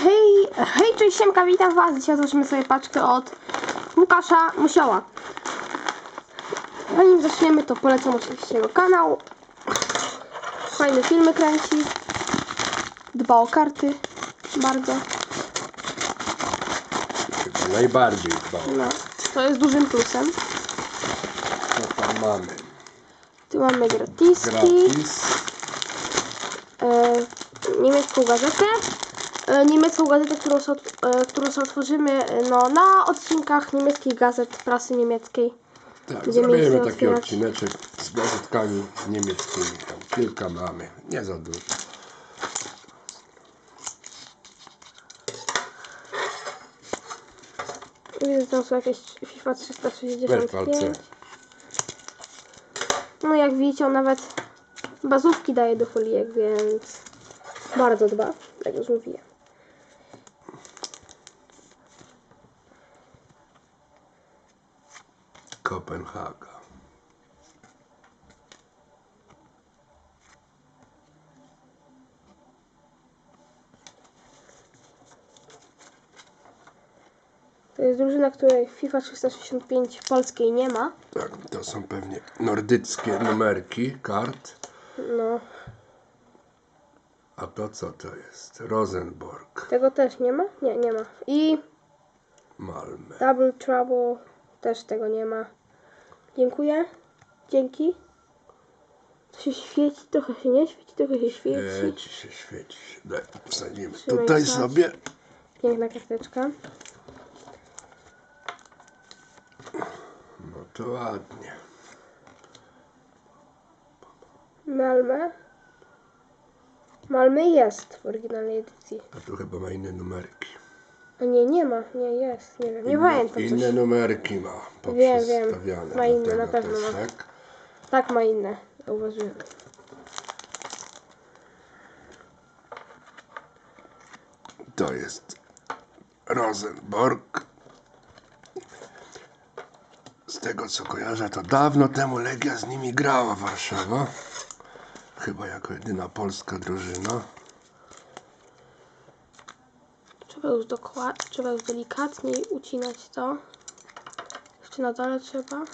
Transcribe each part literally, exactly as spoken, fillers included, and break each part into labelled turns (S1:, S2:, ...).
S1: Hej, hej, cześć, siemka, witam was. Dzisiaj zobaczymy sobie paczkę od Łukasza Musioła. Zanim zaczniemy, to polecam oczywiście jego kanał. Fajne filmy kręci. Dba o karty. Bardzo.
S2: Chyba najbardziej dba o.
S1: No, to jest dużym plusem.
S2: Co tam mamy?
S1: Tu mamy gratiski.
S2: Gratis.
S1: E, niemiecką gazetę. E, niemiecką gazetę, którą, so, e, którą sobie otworzymy no, na odcinkach niemieckich gazet, prasy niemieckiej.
S2: Tak, zrobimy taki otwierać. odcineczek z gazetkami niemieckimi. Tam kilka mamy, nie za dużo.
S1: Widzę, tam są jakieś FIFA trzysta sześćdziesiąt pięć.
S2: Werfalce.
S1: No jak widzicie, on nawet bazówki daje do folijek, więc bardzo dba, jak już mówiłem.
S2: Kopenhaga.
S1: To jest drużyna, której FIFA trzysta sześćdziesiąt pięć polskiej nie ma.
S2: Tak, to są pewnie nordyckie numerki kart.
S1: No.
S2: A to co to jest? Rosenborg.
S1: Tego też nie ma? Nie, nie ma. I
S2: Malmö.
S1: Double Trouble też tego nie ma. Dziękuję. Dzięki. To się świeci, trochę się nie świeci, trochę się świeci.
S2: Świeci się, świeci się. Daj, wsadzimy
S1: Trzymaj
S2: tutaj
S1: tak.
S2: sobie.
S1: Piękna karteczka.
S2: No to ładnie.
S1: Malmö. Malmö jest w oryginalnej edycji.
S2: A tu chyba ma inne numerki.
S1: A nie, nie ma. Nie jest. Nie wiem. Nie
S2: Inne,
S1: pamiętam
S2: inne
S1: coś.
S2: numerki ma
S1: Wiem, wiem.
S2: poprzestawiane.
S1: Ma inne,
S2: Dlatego
S1: na pewno
S2: też,
S1: ma.
S2: tak?
S1: Tak, ma inne. Zauważyłem.
S2: To jest Rosenborg. Z tego co kojarzę, to dawno temu Legia z nimi grała, Warszawa. Chyba jako jedyna polska drużyna.
S1: Trzeba już dokładnie, trzeba już delikatniej ucinać to. Jeszcze na dole trzeba.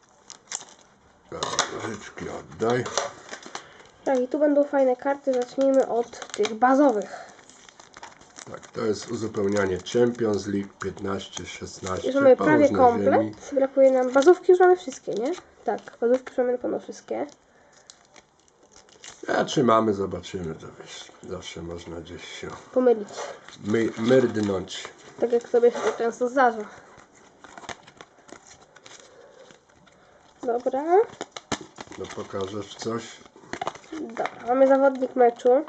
S2: Życzki oddaj.
S1: Tak, i tu będą fajne karty. Zacznijmy od tych bazowych.
S2: Tak, to jest uzupełnianie Champions League piętnaście szesnaście.
S1: Już mamy
S2: po
S1: prawie
S2: różne
S1: komplet.
S2: ziemi.
S1: Brakuje nam. Bazówki już mamy wszystkie, nie? Tak, bazówki już mamy na pewno wszystkie.
S2: A czy mamy, zobaczymy, to wiesz, zawsze można gdzieś się
S1: Pomylić.
S2: my, merdnąć.
S1: Tak jak sobie się to często zdarza. Dobra.
S2: No pokażesz coś?
S1: Dobra, mamy zawodnik meczu.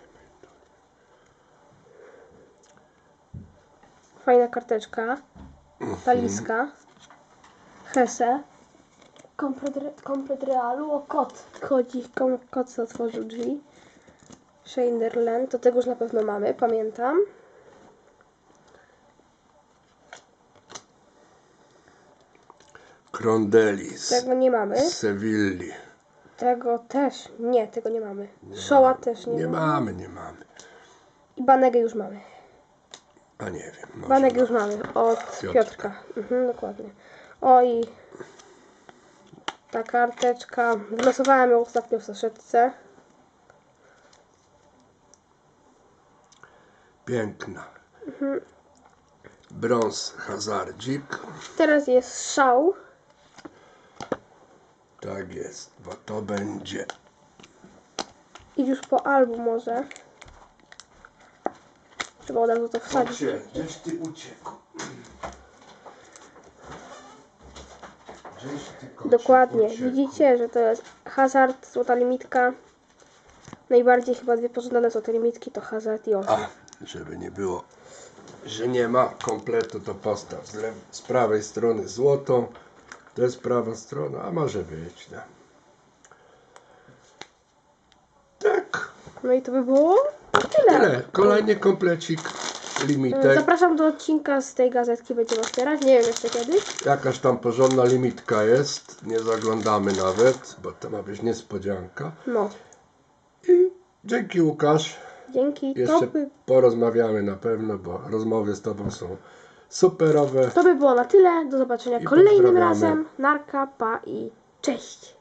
S1: Fajna karteczka. Taliska. Hesse. Komplet, komplet Realu. O, kot. Chodzi, kom, kot co otworzył drzwi. Schneiderlin. To tego już na pewno mamy, pamiętam.
S2: Krondelis.
S1: Tego nie mamy.
S2: Z Sewilli.
S1: Tego też. Nie, tego nie mamy. Szoła też nie,
S2: Nie
S1: mamy.
S2: mamy, nie mamy.
S1: I Banegę już mamy.
S2: A nie wiem. Może
S1: Banek
S2: ma.
S1: już mamy od
S2: Piotrka.
S1: Piotrka. Mhm, dokładnie. O i ta karteczka. Wylosowałem ją ostatnio w saszetce.
S2: Piękna.
S1: Mhm.
S2: Brąz Hazardzik.
S1: Teraz jest szał.
S2: Tak jest, bo to będzie.
S1: Idź już po album może. Trzeba od razu to wsadzić.
S2: Gdzie? Gdzieś ty uciekł. Gdzieś ty kocie
S1: Dokładnie.
S2: uciekł.
S1: Widzicie, że to jest Hazard, złota limitka. Najbardziej chyba dwie pożądane złote limitki to Hazard i on.
S2: A, żeby nie było, że nie ma kompletu, to postaw z, lew- z prawej strony złotą. To jest prawa strona, a może być, no. Tak,
S1: No i to by było tyle.
S2: tyle. Kolejny komplecik, limitek.
S1: Zapraszam do odcinka z tej gazetki, będziemy otwierać. Nie wiem jeszcze kiedy.
S2: Jakaś tam porządna limitka jest, nie zaglądamy nawet, bo to ma być niespodzianka.
S1: No.
S2: I dzięki, Łukasz.
S1: Dzięki. To
S2: Jeszcze
S1: by,
S2: porozmawiamy na pewno, bo rozmowy z Tobą są superowe.
S1: to by było na tyle. Do zobaczenia
S2: I
S1: kolejnym
S2: pozdrawiamy.
S1: razem. Narka, pa i cześć.